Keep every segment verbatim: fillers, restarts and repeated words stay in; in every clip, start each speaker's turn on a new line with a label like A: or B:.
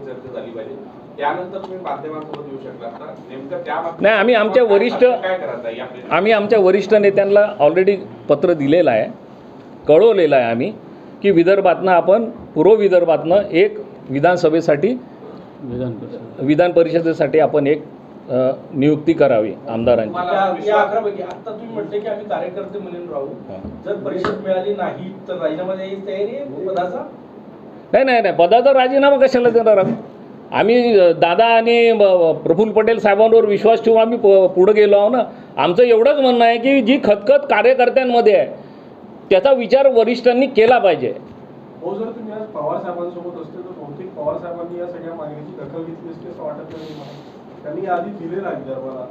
A: त्याच्यावर चर्चा झाली पाहिजे. त्यानंतर तुम्ही माध्यमांसोबत येऊ शकला तर नेमकं त्या
B: नाही, आम्ही आमच्या वरिष्ठ
A: काय करायचं
B: आम्ही आमच्या वरिष्ठ नेत्यांना ऑलरेडी पत्र दिलेलं आहे, कळवलेलं आहे आम्ही की विदर्भातनं आपण पूर्व विदर्भातनं एक विधानसभेसाठी
C: विधान परिषद
B: विधान परिषदेसाठी आपण एक नियुक्ती करावी आमदारांची.
D: या अकरापैकी आता तुम्ही म्हटले की आम्ही कार्यकर्ते म्हणून राहू, जर परिषद मिळाली नाही तर राजीनामा द्यायची तयारी आहे पदाचा?
B: नाही नाही नाही पदाचा राजीनामा कशाला देणार आम्ही? आम्ही दादा आणि प्रफुल्ल पटेल साहेबांवर विश्वास ठेवून आम्ही पुढे गेलो आहो ना. आमचं एवढंच म्हणणं आहे की जी खतखत कार्यकर्त्यांमध्ये आहे त्याचा विचार वरिष्ठांनी केला पाहिजे.
E: हो, जर तुम्ही आज पवार साहेबांसोबत असते तर बहुतेक पवार साहेबांनी या सगळ्या मागणीची दखल घेतली असते असं वाटत नाही मला. त्यांनी आधी दिलेला आहे विदर्भाला.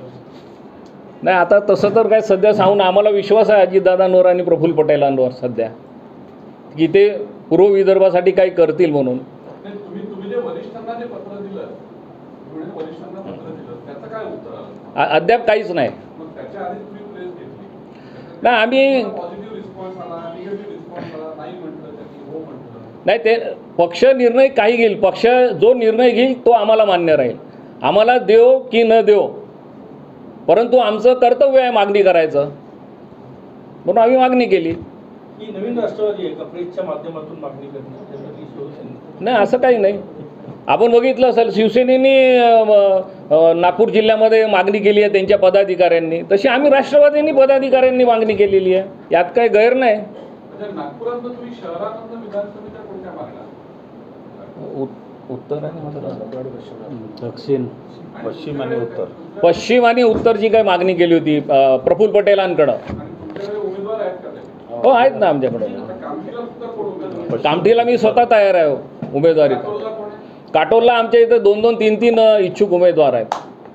B: नाही, आता तसं तर काय सध्या सांगून आम्हाला विश्वास आहे अजितदादांवर आणि प्रफुल्ल पटेलांवर सध्या की ते पूर्व विदर्भासाठी काही करतील म्हणून.
E: तुम्ही तुम्ही जे वरिष्ठांना जे पत्र दिलं तुम्ही वरिष्ठांना पत्र दिलं त्याचं काय उत्तर आलं?
B: अद्याप काहीच नाही.
E: मग त्याच्या आधी तुम्ही प्रेस घेतली
B: नाही, आम्ही
E: पॉझिटिव्ह रिस्पॉन्स आला, निगेटिव्ह रिस्पॉन्स आला, नाही म्हटलं त्यांनी हो म्हटलं.
B: नाही, ते पक्ष निर्णय काही घेईल, पक्ष जो निर्णय घेईल तो आम्हाला मान्य राहील. आम्हाला देव की न देव, परंतु आमचं कर्तव्य आहे मागणी करायचं म्हणून आम्ही मागणी केली.
D: ही नवीन राष्ट्रवादी आहे का प्रेसच्या माध्यमातून मागणी करणे?
B: नाही, असं काही नाही. आपण बघितलं असेल शिवसेनेने नागपूर जिल्ह्यामध्ये मागणी केली आहे त्यांच्या पदाधिकाऱ्यांनी, तशी आम्ही राष्ट्रवादींनी पदाधिकाऱ्यांनी मागणी केलेली आहे. यात काही गैर नाही.
E: नागपुरात तुम्ही शहरात विधानसभेच्या कोणत्या मागण्या?
B: उत्तर
C: दक्षिण
F: पश्चिम आणि उत्तर
B: पश्चिम आणि उत्तरची काही मागणी केली होती प्रफुल्ल पटेलांकडं.
E: उमेदवार आहेत का?
B: हो, आहेत ना आमच्याकडे. कामठीला मी स्वतः तयार आहे उमेदवारी. काटोलला आमच्या इथं दोन दोन तीन तीन इच्छुक उमेदवार आहेत.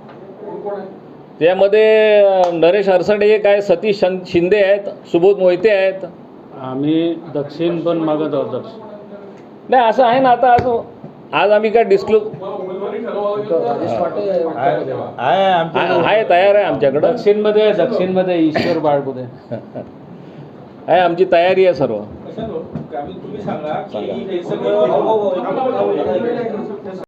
B: त्यामध्ये नरेश अरसडे एक आहे, सतीश शिंदे आहेत, सुबोध मोहिते आहेत.
C: आम्ही दक्षिण पण मागत आहोत. दक्षिण
B: नाही, असं आहे ना. आता आज आज आम्ही काय डिस्क्लोज आहे, तयार आहे आमच्याकडं.
C: दक्षिणमध्ये दक्षिणमध्ये ईश्वर बाळगुदे
B: आहे, आमची तयारी आहे सर्व.
D: तुम्ही सांगा की हे सगळं